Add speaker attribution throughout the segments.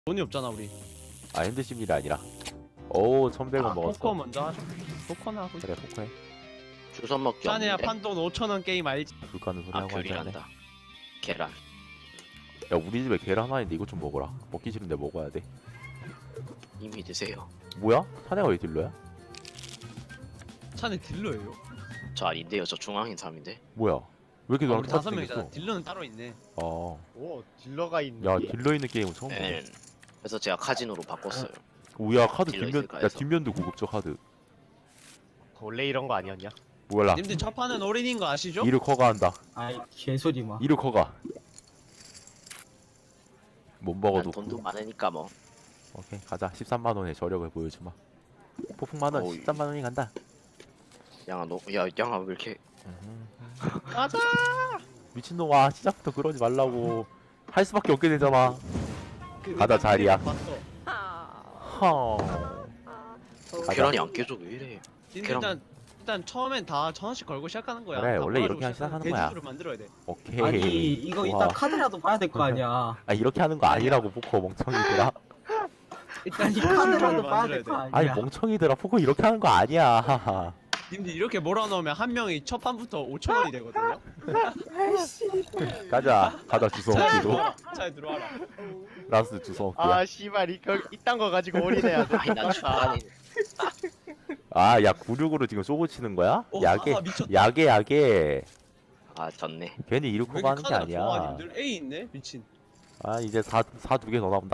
Speaker 1: 돈이 없잖아 우리.
Speaker 2: 아 핸드십일이 아니라. 오 1100원 먹었어.
Speaker 1: 포커 먼저 하자. 포커나 하고.
Speaker 2: 그래 포커해.
Speaker 3: 주워 먹기
Speaker 1: 짠해야
Speaker 3: 없는데.
Speaker 1: 판돈 5,000원 게임 알지?
Speaker 2: 불가는 소리
Speaker 3: 아
Speaker 2: 하고 앉았네.
Speaker 3: 귤이란다. 계란.
Speaker 2: 야 우리 집에 계란 하나 있는데 이거 좀 먹어라. 먹기 싫은데 먹어야 돼.
Speaker 3: 이미 드세요.
Speaker 2: 뭐야? 사내가 왜 딜러야?
Speaker 1: 차는 딜러예요.
Speaker 3: 저 아닌데요. 저 중앙인 사람인데.
Speaker 2: 뭐야? 왜 이렇게
Speaker 1: 아,
Speaker 2: 너랑
Speaker 1: 우리
Speaker 2: 똑같이
Speaker 1: 5명이잖아.
Speaker 2: 생겼어?
Speaker 1: 딜러는 따로 있네.
Speaker 2: 어.
Speaker 4: 오 딜러가 있는
Speaker 2: 야
Speaker 4: 게.
Speaker 2: 딜러 있는 게임은 처음 보네.
Speaker 3: 네. 그래서 제가 카지노로 바꿨어요.
Speaker 2: 오야 카드
Speaker 3: 딜러
Speaker 2: 뒷면
Speaker 3: 있을까
Speaker 2: 야
Speaker 3: 해서.
Speaker 2: 뒷면도 고급져 카드.
Speaker 4: 원래 이런 거 아니었냐?
Speaker 2: 몰라.
Speaker 1: 님들 첫 판은 올인인 거 아시죠?
Speaker 2: 이를 커가 한다.
Speaker 5: 아이 개소리 마.
Speaker 2: 이를 커가. 못
Speaker 3: 난
Speaker 2: 먹어도
Speaker 3: 돈도 많으니까 뭐.
Speaker 2: 오케이 가자. 13만 원의 저력을 보여주마. 폭풍 만원
Speaker 3: 어이.
Speaker 2: 13만 원이 간다.
Speaker 3: 양아 너, 야 양아 왜 이렇게
Speaker 1: 가자.
Speaker 2: 미친놈아 시작부터 그러지 말라고. 할 수밖에 없게 되잖아. 가자, 자리야.
Speaker 1: 봤어.
Speaker 2: 허. 가자.
Speaker 3: 계란이 안 깨져 왜 이래?
Speaker 1: 님들 일단 처음엔 다 1,000원씩 걸고 시작하는 거야.
Speaker 2: 그래,
Speaker 1: 다
Speaker 2: 원래
Speaker 1: 몰아주고
Speaker 2: 이렇게 시작하는 거야.
Speaker 1: 대주주를 만들어야 돼.
Speaker 2: 오케이.
Speaker 5: 아니 이거
Speaker 2: 좋아.
Speaker 5: 이따 카드라도 봐야 될 거 아니야.
Speaker 2: 아 이렇게 하는 거 아니라고 포커 멍청이들아.
Speaker 1: 일단
Speaker 5: 아니
Speaker 1: 대주주를
Speaker 5: 카드라도 봐야
Speaker 1: 만들어야
Speaker 5: 될 거
Speaker 1: 돼.
Speaker 5: 아니야.
Speaker 2: 아니 멍청이들아 포커 이렇게 하는 거 아니야.
Speaker 1: 님들 이렇게 몰아넣으면 한 명이 첫 판부터 5,000원이 되거든요.
Speaker 2: 가자 주워 먹기로.
Speaker 1: 차에 들어와라.
Speaker 2: 라스트 주워 먹기야.
Speaker 4: 아 씨발 이딴 거 가지고 올인해야 돼.
Speaker 3: 아니 난 중간인.
Speaker 2: 아야 96으로 지금 쏘고 치는 거야?
Speaker 1: 어,
Speaker 2: 야게
Speaker 1: 아, 미쳤다.
Speaker 2: 야게.
Speaker 3: 아 졌네.
Speaker 2: 괜히
Speaker 1: 왜
Speaker 2: 이렇게
Speaker 1: 이렇게
Speaker 2: 하는 게
Speaker 1: 카드가 좋아
Speaker 2: 아니야.
Speaker 1: 님들? A 있네 미친.
Speaker 2: 아 이제 4 두 개 더 나온다.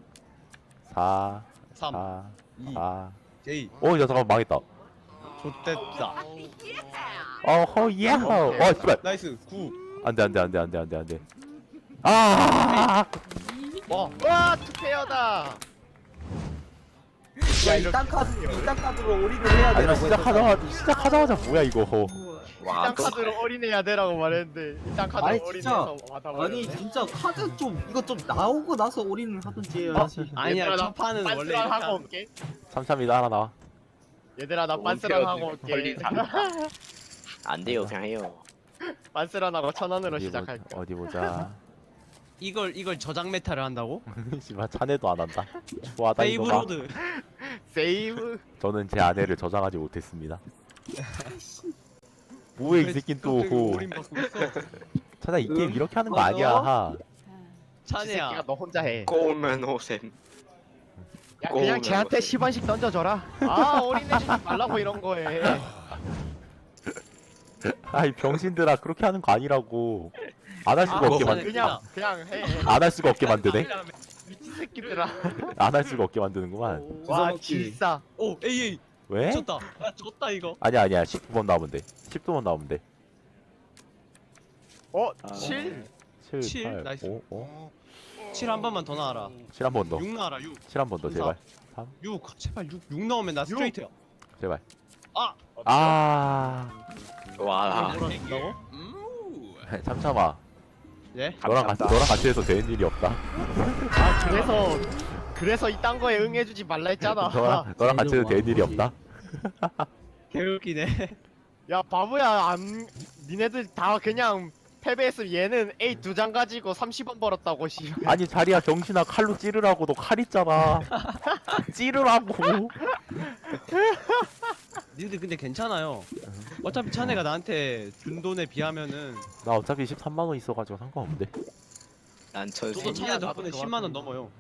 Speaker 2: 4
Speaker 1: 3
Speaker 2: 4
Speaker 1: 2
Speaker 2: 4.
Speaker 1: J
Speaker 2: 야 잠깐 망했다.
Speaker 1: 좋댔다.
Speaker 2: 어허 예. 어 씨발.
Speaker 1: 나이스 9.
Speaker 2: 안돼. 아.
Speaker 4: 와 투페어다.
Speaker 5: 야 이딴 카드로 올인을 해야
Speaker 2: 아니
Speaker 5: 되라고
Speaker 2: 시작하자마자 뭐야 이거.
Speaker 3: 와
Speaker 4: 이딴 카드로 올인해야 되라고 말했는데 이딴 카드로
Speaker 5: 아니,
Speaker 4: 올인해서
Speaker 5: 진짜.
Speaker 4: 받아버렸네.
Speaker 5: 아니 진짜 카드 좀 이거 좀 나오고 나서 올인을 하든지 해야지.
Speaker 1: 아니야
Speaker 4: 얘들아,
Speaker 1: 첫 판은 원래
Speaker 4: 빤스런
Speaker 1: 이렇게
Speaker 4: 하고
Speaker 1: 하는
Speaker 4: 올게.
Speaker 2: 참참이다 하나 나와.
Speaker 4: 얘들아 나 빤스런 하고 올게.
Speaker 3: 안 돼요 그냥 해요.
Speaker 4: 빤스런 하고 1,000원으로 시작할게.
Speaker 2: 어디 보자.
Speaker 1: 이걸 저장 메타를 한다고?
Speaker 2: 씨발 차내도 안 한다. 좋아하다 이거가.
Speaker 1: 페이브로드.
Speaker 4: 세이브.
Speaker 2: 저는 제 아내를 저장하지 못했습니다. 뭐해 이 새낀 또.
Speaker 1: 올인 받고 있어.
Speaker 2: 차나 이 게임 이렇게 하는 거
Speaker 5: 맞아.
Speaker 2: 아니야.
Speaker 4: 이 새끼가
Speaker 1: 찬이야.
Speaker 4: 너 혼자 해.
Speaker 3: 꼬우면 오셈.
Speaker 4: 야
Speaker 3: 꼬우면
Speaker 4: 그냥 쟤한테
Speaker 3: 오셈.
Speaker 4: 10원씩 던져줘라. 아 올인해주지 말라고 이런 거에.
Speaker 2: 아이 병신들아 그렇게 하는 거 아니라고. 안 할 수가
Speaker 1: 아,
Speaker 2: 없게
Speaker 1: 그거는-
Speaker 2: 만.
Speaker 4: 그냥 해.
Speaker 2: 안 할 수가 없게 만드네.
Speaker 4: 미친 새끼들아.
Speaker 2: 안 할 수가 없게 만드는구만.
Speaker 5: 주워
Speaker 4: 와
Speaker 5: 먹기.
Speaker 4: 질사.
Speaker 1: 오 AA
Speaker 2: 왜?
Speaker 1: 졌다. 아 졌다 이거.
Speaker 2: 아니야 19번 나오면 돼. 10도만 나오면 돼.
Speaker 4: 어 7?
Speaker 2: 7,
Speaker 1: 칠,
Speaker 2: 8,
Speaker 1: 나이스.
Speaker 2: 5,
Speaker 1: 7 한 번만 더 나와라.
Speaker 2: 7 한 번 더.
Speaker 1: 6 나와라 6.
Speaker 2: 7 한 번 더 제발.
Speaker 1: 6 제발 6 나오면 나 스트레이트야.
Speaker 2: 제발.
Speaker 1: 아.
Speaker 2: 아.
Speaker 3: 와.
Speaker 1: 뭐라고?
Speaker 2: 참참아.
Speaker 1: 예?
Speaker 2: 너랑 같이 해서 되는 일이 없다.
Speaker 4: 아 그래서 이딴 거에 응해주지 말라 했잖아.
Speaker 2: 너랑 같이 해서 되는 일이 없다.
Speaker 1: 개웃기네.
Speaker 4: 야 바보야 니네들 다 그냥 패배했으면 얘는 A 2장 가지고 30원 벌었다고 씨.
Speaker 2: 아니 자리야 병신아 칼로 찌르라고. 너 칼 있잖아. 찌르라고.
Speaker 1: 니들 근데 괜찮아요. 어차피 찬이가 나한테 준 돈에 비하면은
Speaker 2: 나 어차피 13만 원 있어가지고 상관없는데.
Speaker 3: 난 천세.
Speaker 1: 저도 찬이 덕분에 10만 원 넘어요.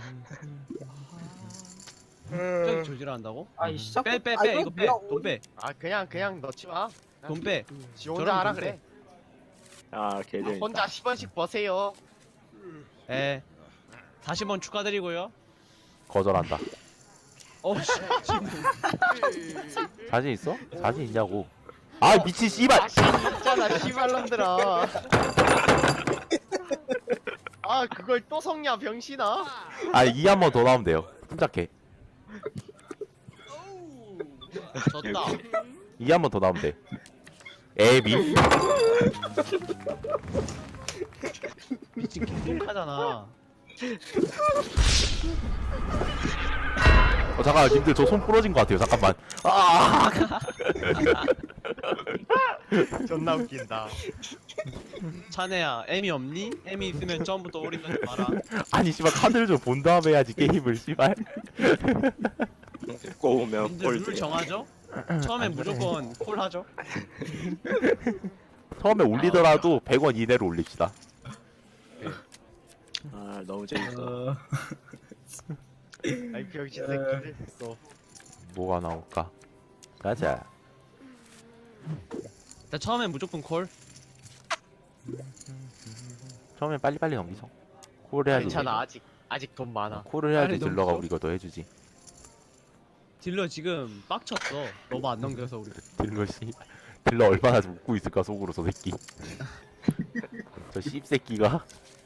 Speaker 1: 저기 조질한다고?
Speaker 5: 아니 시작.
Speaker 1: 빼
Speaker 5: 아,
Speaker 1: 이거 빼. 돈 빼.
Speaker 4: 아 그냥 넣지 마.
Speaker 1: 돈 빼.
Speaker 4: 지 혼자
Speaker 1: 저런
Speaker 4: 하라
Speaker 1: 돈
Speaker 4: 그래.
Speaker 3: 아 개들.
Speaker 4: 혼자 10원씩 버세요.
Speaker 1: 예. 40원 축하드리고요.
Speaker 2: 거절한다.
Speaker 1: 씨. 지금
Speaker 2: 자신 있어? 자신 있냐고. 아 미친 씨발.
Speaker 4: 있잖아 씨발놈들아. 아 그걸 또 성냐 병신아.
Speaker 2: 아 이 한 번 더 나오면 돼요. 침착해.
Speaker 1: 졌다.
Speaker 2: 이 한 번 더 나오면 돼. 애비.
Speaker 1: 미친 개똥하잖아.
Speaker 2: 잠깐 님들 저 손 부러진 것 같아요. 잠깐만. 아.
Speaker 4: 존나 웃긴다.
Speaker 1: 찬해야 M이 없니? M이 있으면 처음부터 올인 넣지 마라.
Speaker 2: 아니 씨발 카드를 좀 본 다음에 해야지 게임을 씨발.
Speaker 3: 꼬우면
Speaker 1: 님들 룰
Speaker 3: 꼴등.
Speaker 1: 정하죠? 처음엔 무조건 콜 하죠.
Speaker 2: 처음에 올리더라도 100원 이내로 올립시다.
Speaker 3: 아 너무 재밌어.
Speaker 5: 어...
Speaker 4: 아이 병신 새끼들 했어.
Speaker 2: 뭐가 나올까? 가자.
Speaker 1: 일단 처음엔 무조건 콜.
Speaker 2: 처음엔 빨리빨리 넘기죠. 콜을 해야지.
Speaker 4: 괜찮아 아직 돈 많아.
Speaker 2: 콜을 해야지
Speaker 1: 빨리
Speaker 2: 딜러가
Speaker 1: 넘기죠?
Speaker 2: 우리 거도 해주지.
Speaker 1: 딜러 지금 빡쳤어. 너무 안 넘겨서 우리.
Speaker 2: 딜러 씨. 딜러 얼마나 웃고 있을까 속으로 저 새끼. 저 씹새끼가.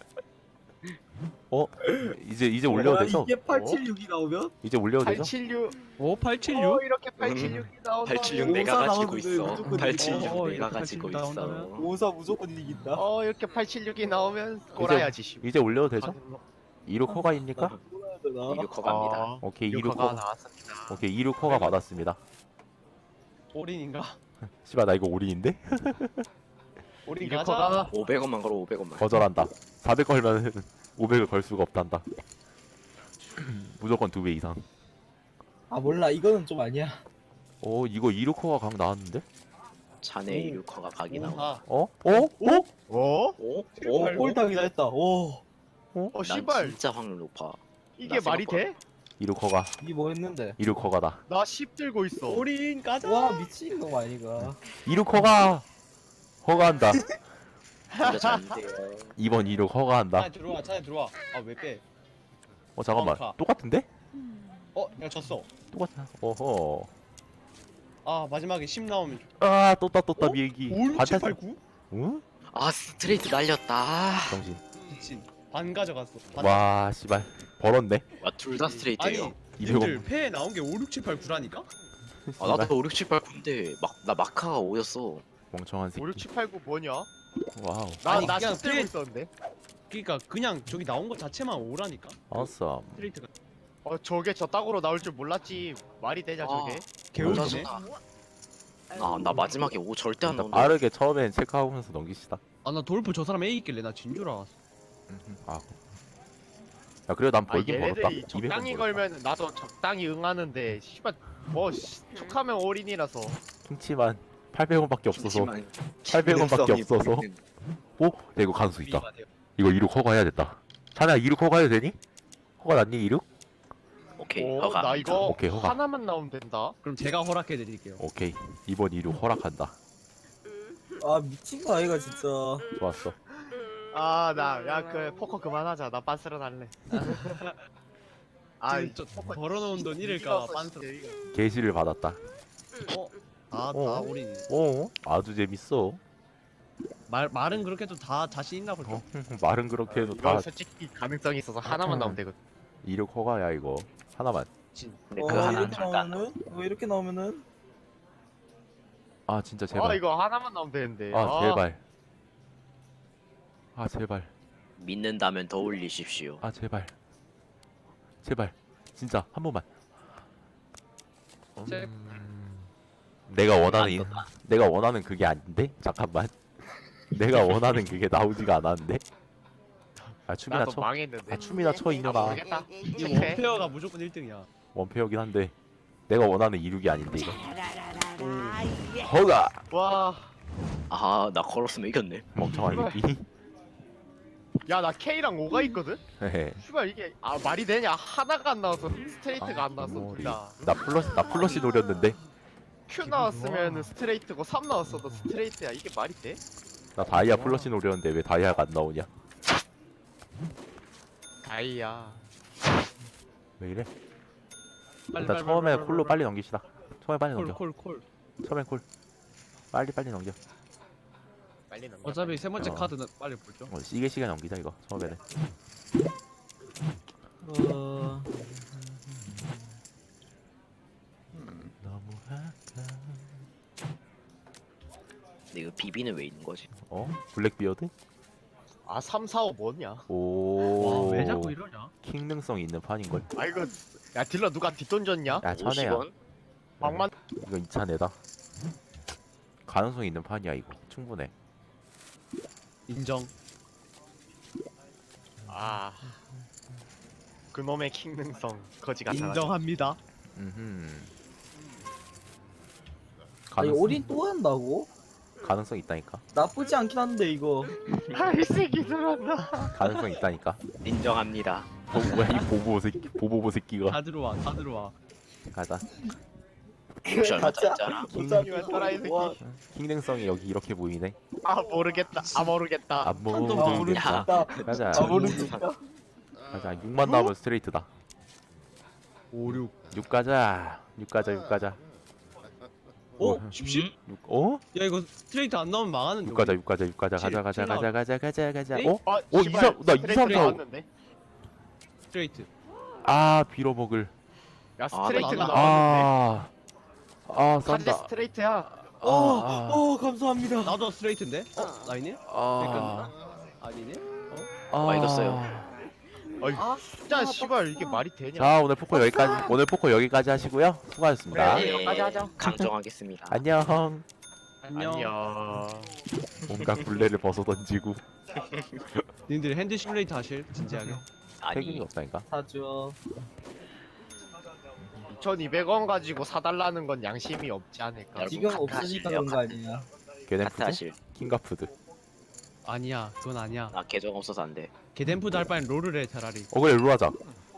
Speaker 2: 이제 올려도 되죠?
Speaker 5: 이게 876이 나오면?
Speaker 2: 이제 올려도 되죠?
Speaker 4: 876.
Speaker 1: 오 876?
Speaker 4: 이렇게 876이 나온다.
Speaker 3: 876
Speaker 5: 오사
Speaker 3: 내가 가지고
Speaker 5: 나오는데
Speaker 3: 있어.
Speaker 5: 무조건
Speaker 3: 876
Speaker 1: 이거.
Speaker 3: 내가
Speaker 1: 이렇게
Speaker 3: 가지고
Speaker 1: 876
Speaker 3: 있어.
Speaker 1: 나온다면?
Speaker 5: 오사 무조건 이긴다.
Speaker 4: 이렇게 876이 나오면 꼬라야지 씨.
Speaker 2: 이제 올려도 되죠? 2루 커가입니까?
Speaker 5: 뭐라 해야 되나?
Speaker 3: 이거 커갑니다.
Speaker 2: 오케이 2루
Speaker 4: 유커가
Speaker 2: 커.
Speaker 4: 나왔습니다.
Speaker 2: 오케이 2루 커가 받았습니다.
Speaker 1: 올인인가?
Speaker 2: 씨발 나 이거 올인인데?
Speaker 1: 올인
Speaker 4: 유커가
Speaker 1: 가자.
Speaker 3: 500원만 걸어 500원만.
Speaker 2: 거절한다. 400 걸면 500을 걸 수가 없단다. 무조건 2배 이상.
Speaker 5: 아 몰라 이거는 좀 아니야.
Speaker 2: 이거 2루 커가 각 나왔는데?
Speaker 3: 자네 이루커가 각이 나와.
Speaker 1: 아,
Speaker 2: 어?
Speaker 4: 어?
Speaker 3: 오?
Speaker 5: 꼴당이다 했다. 오
Speaker 3: 난
Speaker 4: 씨발
Speaker 3: 진짜 확률 높아.
Speaker 4: 이게
Speaker 3: 나
Speaker 4: 말이
Speaker 3: 생각보다.
Speaker 4: 돼?
Speaker 2: 2루 커가.
Speaker 5: 이게 뭐 했는데?
Speaker 2: 2루 커가다.
Speaker 4: 나 10 들고 있어.
Speaker 1: 올인 가자.
Speaker 5: 와 미친 거 아니가.
Speaker 2: 2루 커가. 허가한다.
Speaker 3: 진짜 잘 돼요.
Speaker 2: 2번 2루 허가한다.
Speaker 1: 차에 들어와. 차에 들어와. 아 왜 빼?
Speaker 2: 잠깐만.
Speaker 1: 가.
Speaker 2: 똑같은데?
Speaker 1: 야 졌어.
Speaker 2: 똑같아. 어허.
Speaker 1: 아 마지막에 10 나오면
Speaker 2: 떴다
Speaker 1: 어?
Speaker 2: 비행기.
Speaker 1: 5, 6, 7, 8, 9?
Speaker 2: 응?
Speaker 3: 아 스트레이트 날렸다.
Speaker 2: 정신.
Speaker 1: 미친. 반 가져갔어. 반.
Speaker 2: 와 씨발. 벌었네.
Speaker 3: 둘 다 스트레이트예요.
Speaker 1: 아니
Speaker 2: 200원.
Speaker 1: 님들 패에 나온 게 5, 6, 7, 8, 9라니까?
Speaker 3: 아 나도 5, 6, 7, 8, 9인데 나 마카가 5였어.
Speaker 2: 멍청한 새끼.
Speaker 4: 5, 6, 7, 8, 9 뭐냐?
Speaker 2: 와우.
Speaker 1: 아니,
Speaker 4: 나
Speaker 1: 그냥
Speaker 4: 10 들고
Speaker 1: 뒤에-
Speaker 4: 있었는데.
Speaker 1: 그니까 그냥 저기 나온 거 자체만 5라니까?
Speaker 2: awesome.
Speaker 1: 스트레이트가
Speaker 4: 저게 저 땅으로 나올 줄 몰랐지. 말이 되냐 저게?
Speaker 1: 개울이네.
Speaker 3: 나 마지막에 5 절대 안
Speaker 2: 일단
Speaker 3: 나온다.
Speaker 2: 빠르게 처음엔 체크하면서 넘기시다.
Speaker 1: 아 나 돌프 저 사람 A 있길래 나 진 줄 알았어.
Speaker 2: 아. 야 그래도 난 벌긴 벌었다.
Speaker 4: 얘네들이
Speaker 2: 200원
Speaker 4: 적당히
Speaker 2: 벌었다.
Speaker 4: 걸면 나도 적당히 응하는데 씨발 툭하면 올인이라서.
Speaker 2: 킹치만 800원밖에 없어서.
Speaker 3: 하지만
Speaker 2: 800원밖에
Speaker 3: 기능성이
Speaker 2: 없어서.
Speaker 3: 보이는.
Speaker 2: 야 이거 가능성 있다.
Speaker 1: 미안해요.
Speaker 2: 이거 2루 커가 해야 됐다. 찬아 2루 커가 해도 되니? 커가 났니 2루?
Speaker 3: 오케이 허가.
Speaker 4: 나 이거
Speaker 2: 오케이, 허가.
Speaker 4: 하나만 나오면 된다.
Speaker 1: 그럼 제가 허락해 드릴게요.
Speaker 2: 오케이. 이번 2루 허락한다.
Speaker 5: 아 미친 거 아이가 진짜.
Speaker 2: 좋았어.
Speaker 4: 그 포커 그만하자. 나 빤스런 할래.
Speaker 1: 지금 저 벌어놓은 돈 잃을까 봐 빤스.
Speaker 2: 게시를 받았다.
Speaker 1: 다
Speaker 2: 어.
Speaker 1: 올인.
Speaker 2: 아주 재밌어.
Speaker 1: 말은 그렇게 해도 다 자신 있나 보죠.
Speaker 2: 말은 그렇게 해도
Speaker 4: 이거
Speaker 2: 다
Speaker 4: 솔직히 가능성이 있어서 하나만 나오면 되거든.
Speaker 2: 2루 커가야 이거. 하나만.
Speaker 3: 근데 그 하나
Speaker 5: 이렇게
Speaker 3: 절대 안
Speaker 5: 나오면은 이렇게 나오면은
Speaker 2: 아 진짜 제발.
Speaker 4: 이거 하나만 나오면 되는데.
Speaker 2: 제발. 제발.
Speaker 3: 믿는다면 더 올리십시오.
Speaker 2: 제발. 제발. 진짜 한 번만.
Speaker 1: 제-
Speaker 2: 내가 원하는 그게 아닌데? 잠깐만. 내가 원하는 그게 나오지가 않았는데. 춤이나
Speaker 4: 나도
Speaker 2: 쳐.
Speaker 4: 망했는데.
Speaker 2: 춤이나 쳐 이년아.
Speaker 4: 모르겠다.
Speaker 1: 이거
Speaker 4: 오케이.
Speaker 1: 원페어가 무조건 1등이야.
Speaker 2: 원페어긴 한데 내가 원하는 이륙이 아닌데 이거. 허가.
Speaker 4: 와.
Speaker 3: 나 걸었으면 이겼네.
Speaker 2: 멍청한 새끼.
Speaker 4: 야 나 K랑 5가 있거든?
Speaker 2: 헤헤.
Speaker 4: 슈발 이게 말이 되냐? 하나가 안 나와서 스트레이트가 안 나왔어
Speaker 2: 머리.
Speaker 4: 둘 다.
Speaker 2: 나 플러시 노렸는데.
Speaker 4: Q 나왔으면 스트레이트고 3 나왔어도 스트레이트야. 이게 말이 돼?
Speaker 2: 나 다이아 플러시 노렸는데 왜 다이아가 안 나오냐?
Speaker 4: 다이야.
Speaker 2: 왜 이래?
Speaker 1: 빨리,
Speaker 2: 일단
Speaker 1: 빨리,
Speaker 2: 처음에
Speaker 1: 빨리,
Speaker 2: 콜로
Speaker 1: 빨리,
Speaker 2: 빨리 넘깁시다. 처음에 빨리
Speaker 1: 콜,
Speaker 2: 넘겨.
Speaker 1: 콜.
Speaker 2: 처음엔 콜. 빨리 넘겨.
Speaker 4: 빨리 넘겨.
Speaker 1: 어차피 세 번째
Speaker 2: 어.
Speaker 1: 카드는 빨리 보죠.
Speaker 2: 시계 넘기자 이거. 처음에는.
Speaker 5: 어...
Speaker 2: 너무
Speaker 3: 근데 이거 비비는 왜 있는 거지?
Speaker 2: 블랙비어드?
Speaker 4: 3, 4, 5 뭐냐?
Speaker 2: 오.
Speaker 1: 와, 왜 자꾸 이러냐?
Speaker 2: 킹 능성 있는 판인걸.
Speaker 4: 이거 야 딜러 누가 뒷돈 줬냐?
Speaker 2: 야 천혜야.
Speaker 3: 50원?
Speaker 4: 방만
Speaker 2: 이거 2차 내다. 가능성 있는 판이야 이거. 충분해.
Speaker 1: 인정.
Speaker 4: 아 그놈의 킹능성 거지 같아.
Speaker 1: 인정합니다.
Speaker 2: 음흠.
Speaker 5: 아니 올인 또 한다고?
Speaker 2: 가능성 있다니까.
Speaker 5: 나쁘지 않긴 한데 이거.
Speaker 4: 아이 새끼 들었나?
Speaker 2: 가능성 있다니까.
Speaker 3: 인정합니다.
Speaker 2: 뭐야 이 보보보 새끼가.
Speaker 1: 다 들어와, 다 들어와.
Speaker 2: 가자.
Speaker 3: 혹시 얼마
Speaker 5: 가짜.
Speaker 3: 짜리잖아.
Speaker 4: 이만 떠라 이 새끼.
Speaker 5: 와,
Speaker 2: 킹능성이 여기 이렇게 보이네.
Speaker 4: 아 모르겠다. 아 모르겠다.
Speaker 2: 안
Speaker 5: 한도
Speaker 2: 모르겠다.
Speaker 5: 모르겠다.
Speaker 2: 가자.
Speaker 5: 모르겠다.
Speaker 2: 가자. 6만 나오면 스트레이트다.
Speaker 1: 5, 6.
Speaker 2: 6 가자. 6 가자. 6 가자.
Speaker 1: 오,
Speaker 2: 뭐,
Speaker 1: 10?
Speaker 2: 6. 어?
Speaker 1: 야 이거 스트레이트 안 나오면 망하는데.
Speaker 2: 6 가자. 6 가자. 6 가자.
Speaker 1: 칠,
Speaker 2: 가자. 가자.
Speaker 1: 칠
Speaker 2: 가자. 가자. 가자. 가자.
Speaker 1: 에이?
Speaker 2: 어?
Speaker 4: 아,
Speaker 2: 오,
Speaker 4: 씨발,
Speaker 2: 이삼- 나
Speaker 4: 스트레이트
Speaker 2: 2, 3, 4.
Speaker 4: 나왔는데?
Speaker 1: 스트레이트.
Speaker 2: 아, 빌어먹을.
Speaker 4: 야 스트레이트가
Speaker 1: 나도
Speaker 4: 나왔는데.
Speaker 2: 싼다.
Speaker 4: 사실 스트레이트야.
Speaker 5: 감사합니다.
Speaker 1: 나도 스트레이트인데? 나이네? 아니네?
Speaker 3: 이겼어요.
Speaker 4: 진짜 씨발 이게 말이 되냐?
Speaker 2: 자, 오늘 포커 여기까지. 오늘 포커 여기까지 하시고요. 수고하셨습니다.
Speaker 4: 그래. 여기까지 하자.
Speaker 3: 강정하겠습니다.
Speaker 2: 안녕.
Speaker 1: 안녕.
Speaker 2: 뭔가 굴레를 벗어 던지고
Speaker 1: 님들 핸드 시뮬레이터 하실? 진지하게.
Speaker 2: 태균이
Speaker 3: 아니
Speaker 2: 없다니까.
Speaker 5: 사줘.
Speaker 4: 2,200원 가지고 사달라는 건 양심이 없지 않을까?
Speaker 3: 여러분,
Speaker 5: 지금
Speaker 3: 카트
Speaker 5: 없으니까
Speaker 3: 하실래요?
Speaker 5: 그런 거 아니야.
Speaker 3: 카트
Speaker 2: 게덴푸드?
Speaker 3: 하실.
Speaker 2: 킹가푸드.
Speaker 1: 아니야, 그건 아니야.
Speaker 3: 나 계정 없어서 안 돼.
Speaker 1: 게덴푸드 할 바엔 롤을 해 차라리.
Speaker 2: 그래 룰 하자.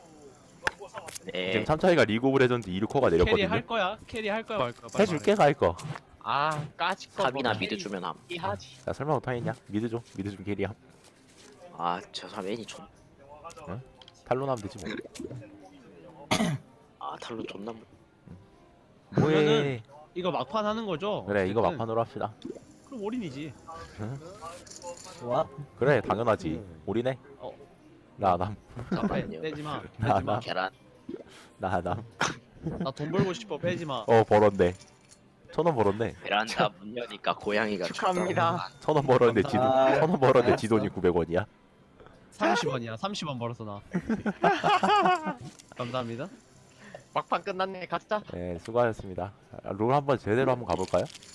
Speaker 3: 네.
Speaker 2: 지금 참차이가 리그 오브 레전드 2루커가
Speaker 1: 캐리
Speaker 2: 내렸거든요.
Speaker 1: 할 거야? 캐리 할 거야 말 거야? 빨리
Speaker 2: 해줄게 갈 거.
Speaker 4: 아 까짓 거.
Speaker 3: 탑이나 미드 주면 함.
Speaker 4: 하지.
Speaker 2: 야 설마 못하겠냐? 미드 줘. 미드 좀 캐리함.
Speaker 3: 저 사람 애니 좀.
Speaker 2: 탈론 하면 되지 뭐.
Speaker 3: 탈로 존나
Speaker 2: 뭐해?
Speaker 1: 그러면은- 이거 막판 하는 거죠?
Speaker 2: 그래 이거
Speaker 1: 어쨌든.
Speaker 2: 막판으로 합시다.
Speaker 1: 그럼 올인이지.
Speaker 5: 좋아.
Speaker 2: 그래 당연하지. 우리네.
Speaker 1: 어.
Speaker 2: 나남.
Speaker 1: 자,
Speaker 3: 아니요.
Speaker 1: 빼지 마.
Speaker 2: 나,
Speaker 1: 빼지 마.
Speaker 2: 나.
Speaker 3: 계란.
Speaker 2: 나남.
Speaker 1: 나 돈 벌고 싶어. 빼지 마.
Speaker 2: 벌었네. 1,000원 벌었네.
Speaker 3: 베란다 문 여니까 고양이가
Speaker 4: 축하합니다.
Speaker 2: 1,000원 벌었는데 지
Speaker 5: 감사합니다.
Speaker 2: 1,000원 벌었는데 지 돈이 900원이야.
Speaker 1: 30원이야. 30원 벌었어 나. 감사합니다.
Speaker 4: 막판 끝났네. 가자.
Speaker 2: 네 수고하셨습니다. 롤 한번 제대로 한번 가볼까요?